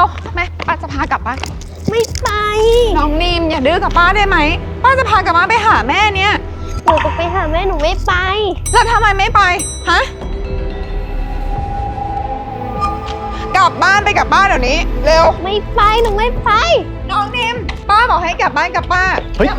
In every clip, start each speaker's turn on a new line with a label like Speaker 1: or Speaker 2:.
Speaker 1: ร็วแม่ป้าจะพากลับบ้าน
Speaker 2: ไม่ไป
Speaker 1: น้องนิมอย่าดื้อกับป้าได้ไหมป้าจะพากลับบ้านไปหาแม่เนี่ย
Speaker 2: หนูจะไปหาแม่หนูไม่ไป
Speaker 1: แล้วทำไมไม่ไปฮะกลับบ้านไปกับป้าเดี๋ยวนี้เร็ว
Speaker 2: ไม่ไปหนูไม่ไป
Speaker 1: น้องนิมป้าบอกให้กลับบ้านกับป้า
Speaker 3: เฮ้ย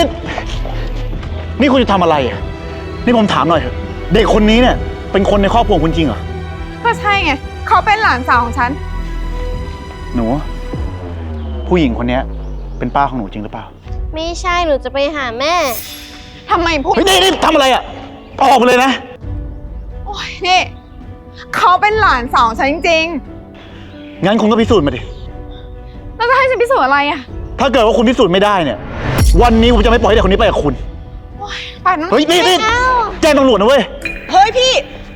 Speaker 3: นี่คุณจะทำอะไรอ่ะนี่ผมถามหน่อยเถอะเด็กคนนี้เนี่ยเป็นคนในครอบครัวคุณจริงเหรอ
Speaker 1: ก็ใช่ไงเขาเป็นหลานสาวของฉัน
Speaker 3: หนูผู้หญิงคนนี้เป็นป้าของหนูจริงหรือเปล่า
Speaker 2: ไม่ใช่หนูจะไปหาแม่
Speaker 1: ทำไมพูด
Speaker 3: นี่ทำอะไรอ่ะออกไปเลยนะ
Speaker 1: โอ้ยนี่เขาเป็นหลานสาวฉันจริง
Speaker 3: งั้นคุณก็พิสูจน์มาดิ
Speaker 1: แล้วจะให้ฉันพิสูจน์อะไรอ่ะ
Speaker 3: ถ้าเกิดว่าคุณพิสูจน์ไม่ได้เนี่ยวันนี้ผมจะไม่ปล่อยให้เด็กคนนี้ไปกับคุณ
Speaker 1: ป่านนั้น
Speaker 3: เฮ้ยนี่แจ้งตำรวจนะเว้ย
Speaker 4: เฮ้ยพี่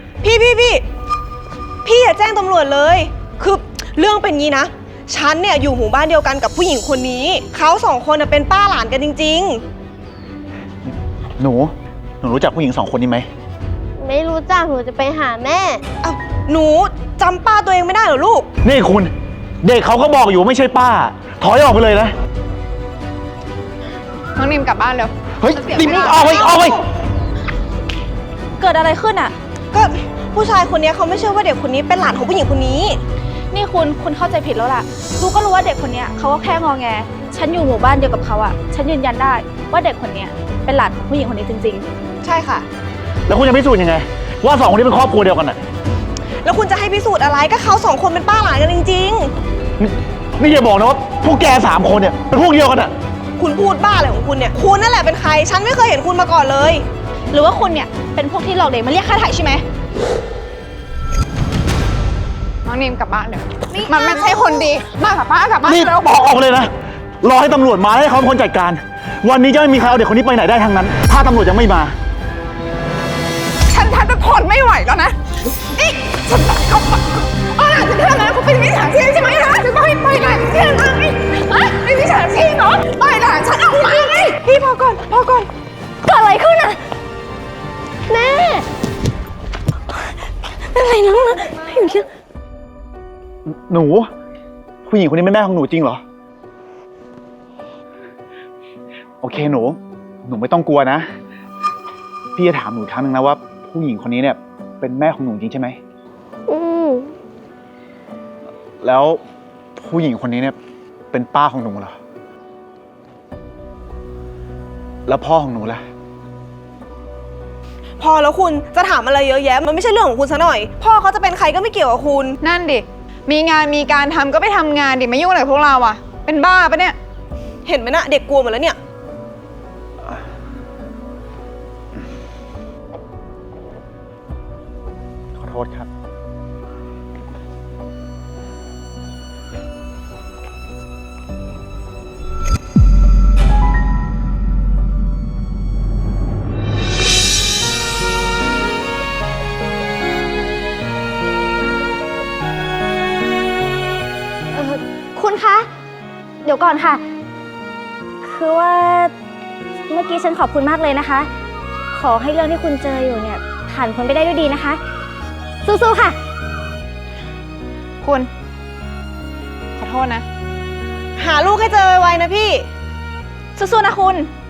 Speaker 4: อย่าแจ้งตำรวจเลยคือเรื่องเป็นงี้นะฉันเนี่ยอยู่หมู่บ้านเดียวกันกับผู้หญิงคนนี้เขาสองคนเป็นป้าหลานกันจริง
Speaker 3: ๆหนูรู้จักผู้หญิงสองคนนี้ไหม
Speaker 2: ไม่รู้จักหนูจะไปหาแม่
Speaker 4: หนูจำป้าตัวเองไม่ได้เหรอลูก
Speaker 3: นี่คุณเด็กเขาก็บอกอยู่ไม่ใช่ป้าถอยออกไปเลยนะ
Speaker 1: น้องนิมกลับบ้านเร็ว
Speaker 3: เฮ้ยนิมออกไป
Speaker 5: เกิดอะไรขึ้นอ่ะ
Speaker 4: ก็ผู้ชายคนนี้เขาไม่เชื่อว่าเด็กคนนี้เป็นหลานของผู้หญิงคนนี้
Speaker 5: นี่คุณเข้าใจผิดแล้วล่ะรู้ก็รู้ว่าเด็กคนนี้เขาก็แค่งอแงฉันอยู่หมู่บ้านเดียวกับเขาอ่ะฉันยืนยันได้ว่าเด็กคนนี้เป็นหลานของผู้หญิงคนนี้จริง
Speaker 4: ๆใช่ค่ะ
Speaker 3: แล้วคุณจะพิสูจน์ยังไงว่าสองคนนี้เป็นครอบครัวเดียวกันอ่ะ
Speaker 4: แล้วคุณจะให้พิสูจน์อะไรก็เขาสองคนเป็นป้าหลานกันจริง
Speaker 3: ๆนี่อย่าบอกนะว่าพวกแก3 คนเนี่ยเป็นพวกเดียวกันอ่ะ
Speaker 4: คุณพูดบ้าอะไรของคุณเนี่ยคุณนั่นแหละเป็นใครฉันไม่เคยเห็นคุณมาก่อนเลย
Speaker 5: หรือว่าคุณเนี่ยเป็นพวกที่หลอกเด็กมาเรียกค่าไถ่ใช่ไหม
Speaker 1: น้องนิมกลับบ้านเดี๋ยวมันไม่ใช่คนดีมากับป้ากลับบ้าน
Speaker 3: นี่
Speaker 1: แล้ว
Speaker 3: บอกออกเลยนะรอให้ตำรวจมาให้เขาเป็นคนจัดการวันนี้จะไม่มีใครเอาเด็กคนนี้ไปไหนได้ทั้งนั้นถ้าตำรวจยังไม่มา
Speaker 1: ฉันจะทนไม่ไหวแล้วนะนี่ฉันบอกเขาหลานฉันทำงานเขาเป็นมิจฉาชีพใช่ไหมฮะจะไปหลานฉันทำไมเป็นมิจฉาชีพเหรอไปหลานฉันเอาไปไงพี่พอก่อน
Speaker 5: เกิดอะไรขึ้นอ่ะ
Speaker 2: แม่อะไรน้องนะอยู่ที่
Speaker 3: หนูผู้หญิงคนนี้เป็นแม่ของหนูจริงเหรอโอเคหนูไม่ต้องกลัวนะพี่จะถามหนูอีกครั้งนึงนะว่าผู้หญิงคนนี้เนี่ยเป็นแม่ของหนูจริงใช่ไหมแล้วผู้หญิงคนนี้เนี่ยเป็นป้าของหนูเหรอแล้วพ่อของหนูล่ะ
Speaker 4: พอแล้วคุณจะถามอะไรเยอะแยะมันไม่ใช่เรื่องของคุณซะหน่อยพ่อเขาจะเป็นใครก็ไม่เกี่ยวกับคุณ
Speaker 1: นั่นดิมีงานมีการทำก็ไปทำงานดิไม่ยุ่งอะไรกับพวกเราอ่ะเป็นบ้าปะเนี่ย
Speaker 4: เห็นไหมนะเด็กกลัวหมดแล้วเนี่ย
Speaker 3: ขอโทษครับ
Speaker 5: คุณคะเดี๋ยวก่อนค่ะคือว่าเมื่อกี้ฉันขอบคุณมากเลยนะคะขอให้เรื่องที่คุณเจออยู่เนี่ยผ่านพ้นไปได้ด้วยดีนะคะสู้ๆค่ะ
Speaker 1: คุณขอโทษนะ
Speaker 4: หาลูกให้เจอไวๆนะพี่
Speaker 5: สู้ๆนะคุณ